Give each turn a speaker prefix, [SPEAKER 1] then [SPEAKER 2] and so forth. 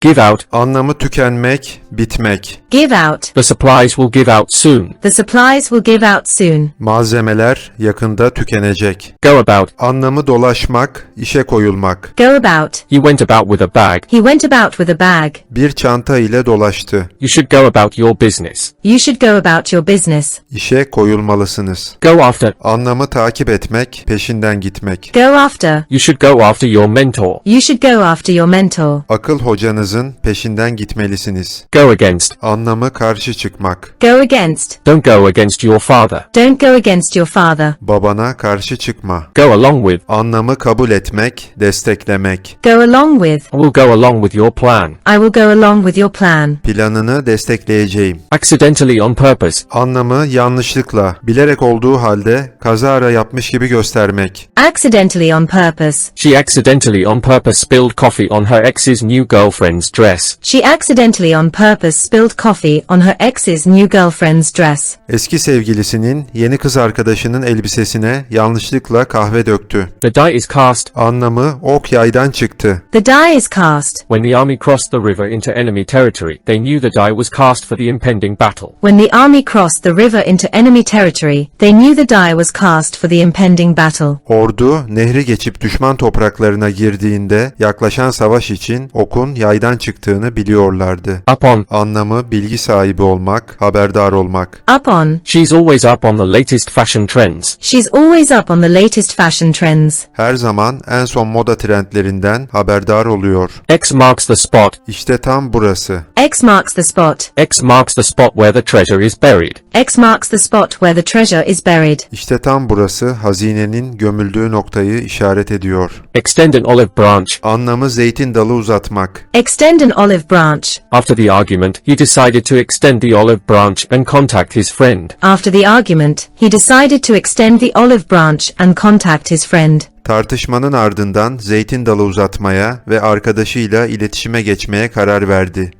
[SPEAKER 1] Give out.
[SPEAKER 2] Anlamı tükenmek, bitmek.
[SPEAKER 3] Give out.
[SPEAKER 1] The supplies will give out soon.
[SPEAKER 3] The supplies will give out soon.
[SPEAKER 2] Malzemeler yakında tükenecek.
[SPEAKER 1] Go about.
[SPEAKER 2] Anlamı dolaşmak, işe koyulmak.
[SPEAKER 3] Go about.
[SPEAKER 1] He went about with a bag.
[SPEAKER 3] He went about with a bag.
[SPEAKER 2] Bir çanta ile dolaştı.
[SPEAKER 1] You should go about your business.
[SPEAKER 3] You should go about your business.
[SPEAKER 2] İşe koyulmalısınız.
[SPEAKER 1] Go after.
[SPEAKER 2] Anlamı takip etmek, peşinden gitmek.
[SPEAKER 3] Go after.
[SPEAKER 1] You should go after your mentor.
[SPEAKER 3] You should go after your mentor.
[SPEAKER 2] Akıl hocanızın peşinden gitmelisiniz.
[SPEAKER 1] Go against.
[SPEAKER 2] Anlamı karşı çıkmak.
[SPEAKER 3] Go against.
[SPEAKER 1] Don't go against your father.
[SPEAKER 3] Don't go against your father.
[SPEAKER 2] Babana karşı çıkma.
[SPEAKER 1] Go along with.
[SPEAKER 2] Anlamı kabul etmek, desteklemek.
[SPEAKER 3] Go along with.
[SPEAKER 1] I will go along with your plan.
[SPEAKER 3] I will go along with your plan.
[SPEAKER 2] Planını destekleyeceğim.
[SPEAKER 1] Accidentally on purpose.
[SPEAKER 2] Anlamı yanlışlıkla, bilerek olduğu halde kazara yapmış gibi göstermek.
[SPEAKER 3] Accidentally on purpose.
[SPEAKER 1] She accidentally on purpose spilled coffee on her ex's new girlfriend's dress.
[SPEAKER 3] She accidentally on purpose spilled coffee on her ex's new girlfriend's dress.
[SPEAKER 2] Eski sevgilisinin yeni kız arkadaşının elbisesine yanlışlıkla kahve döktü.
[SPEAKER 1] The die is cast.
[SPEAKER 2] Anlamı ok yaydan çıktı.
[SPEAKER 3] The die is cast.
[SPEAKER 1] When the army crossed the river into enemy territory, they knew the die was cast for the impending battle.
[SPEAKER 3] When the army crossed the river into enemy territory, they knew the die was cast for the impending battle.
[SPEAKER 2] Ordu nehri geçip düşman topraklarına girdiğinde yaklaşan savaş için okun yaydan çıktığını biliyorlardı.
[SPEAKER 1] Upon.
[SPEAKER 2] Anlamı bilgi sahibi olmak, haberdar olmak.
[SPEAKER 3] Up on.
[SPEAKER 1] She's always up on the latest fashion trends.
[SPEAKER 3] She's always up on the latest fashion trends.
[SPEAKER 2] Her zaman en son moda trendlerinden haberdar oluyor.
[SPEAKER 1] X marks the spot.
[SPEAKER 2] İşte tam burası.
[SPEAKER 3] X marks the spot.
[SPEAKER 1] X marks the spot where the treasure is buried.
[SPEAKER 3] X marks the spot where the treasure is buried.
[SPEAKER 2] İşte tam burası hazinenin gömüldüğü noktayı işaret ediyor.
[SPEAKER 1] Extend an olive branch.
[SPEAKER 2] Anlamı zeytin dalı uzatmak.
[SPEAKER 3] Extend an olive branch.
[SPEAKER 1] After the argument, he decided to extend the olive branch and contact his friend.
[SPEAKER 3] After the argument, he decided to extend the olive branch and contact his friend.
[SPEAKER 2] Tartışmanın ardından zeytin dalı uzatmaya ve arkadaşıyla iletişime geçmeye karar verdi.